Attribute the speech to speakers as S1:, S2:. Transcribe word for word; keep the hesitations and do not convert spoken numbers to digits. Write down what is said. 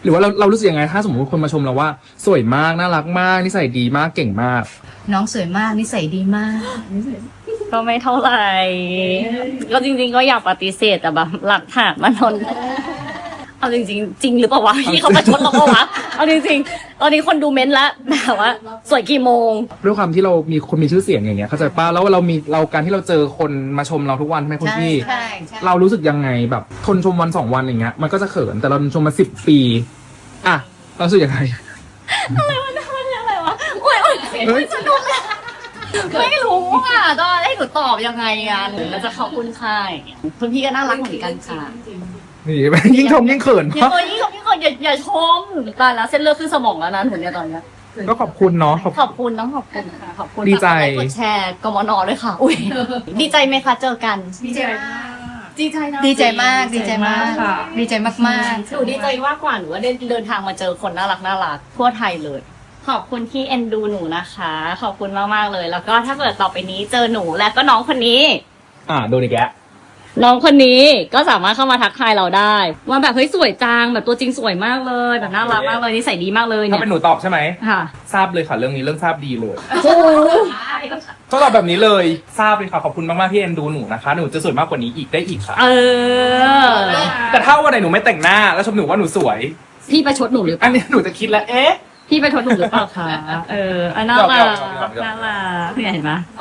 S1: หรือว่าเราเรารู้สึกยังไงถ้าสมมติคนมาชมเราว่าสวยมากน่ารักมากนิสัยดีมากเก่งมาก
S2: น้องสวยมากนิสัยดีมาก
S3: ก็ไม่เท่าไหร่ ก็จริงๆก็อยากปฏิเสธแต่แบบหลักฐานมันทนเอาจริงๆจริงหรือเปล่าวะที่เขาประชดเราเปล่าวะเอาจริงๆตอนนี้คนดูเม้นต์แล้วแบบว่าสวยกี่โมง
S1: ด้วยความที่เรามีคนมีชื่อเสียงอย่างเงี้ยเข้าใจป้ะแล้วเรามีเราการที่เราเจอคนมาชมเราทุกวันใช่ไหมคุณ
S2: ใช่
S1: พี่
S2: ใช่ใช่
S1: เรารู้สึกยังไงแบบทนชมวันสองวันอย่างเงี้ยมันก็จะเขินแต่เราชมมาสิบปีอ่ะเรารู้สึกยังไง
S3: อะไรวะอะไรวะโอ้ยโอ้ย
S1: เฮ้ย
S3: สนุกเลยไม่รู้อ่ะต้องให้หนูตอบยังไงอ่ะหนูก็จะขอบคุณค่ะคุณพี่ก็น่ารักเหมือนกันค่ะ
S1: นี่ยิ่งชมยิ่งเขิน
S3: อย่า
S1: เพราะ
S3: ตัวยิ่งขอบยิ่งขอบอย่าอย่าชมตายแล้วเส้นเลือดขึ้นสมองแล้วนะหนูเนี่ยตอนเนี้ย
S1: ก็ขอบคุณเนาะขอบ
S3: ขอบคุณต้องขอบคุณค่ะขอบคุณ
S1: ดีใจ
S3: ฝากกดไลค์กดแชร์กมนด้วยค่ะ อุ้ยดีใจไหมคะเจอกัน
S2: ดีใจมาก
S3: ดีใจนะ
S2: ดีใจมากดีใจมาก
S3: ค่ะ
S2: ดีใจมากมาก
S3: หนูดีใจมากกว่าหนูว่าได้เดินทางมาเจอคนน่ารักน่ารักทั่วไทยเลย ขอบคุณที่เอ็นดูหนูนะคะ ขอบคุณมากๆเลย แล้วก็ถ้าเกิดต่อไปนี้เจอหนูและก็น้องคนนี้
S1: อ่าโดนอีกแล้ว
S3: น้องคนนี้ก็สามารถเข้ามาทักทายเราได้ว่าแบบเฮ้ยสวยจังแบบตัวจริงสวยมากเลยแบบน่ารักมากเลยนิสัยดีมากเลย
S1: ถ้า
S3: เนี่ย
S1: เป็นหนูตอบใช่ไหม
S3: ค่ะ
S1: ทราบเลยค่ะเรื่องนี้เรื่องทราบดีเลย
S3: โอ้โห
S1: ต้องตอบแบบนี้เลยทราบเลยค่ะขอบคุณมากๆที่เอ็นดูหนูนะคะหนูจะสวยมากกว่านี้อีกได้อีกค่ะ
S3: เออ
S1: แต่ถ้าวันไหนหนูไม่แต่งหน้าแล้วชมหนูว่าหนูสวย
S3: พี่ประชดหนูหรือเป
S1: อั
S3: ล่าน
S1: นี้หนูจะคิดแล้วเอ๊ะ
S3: พี่ประชดหนูหรือเปล่าคะเอออันน่ารัก
S1: หยอกๆหยอกๆ
S3: น่ารักเนี่ยเห็นไหม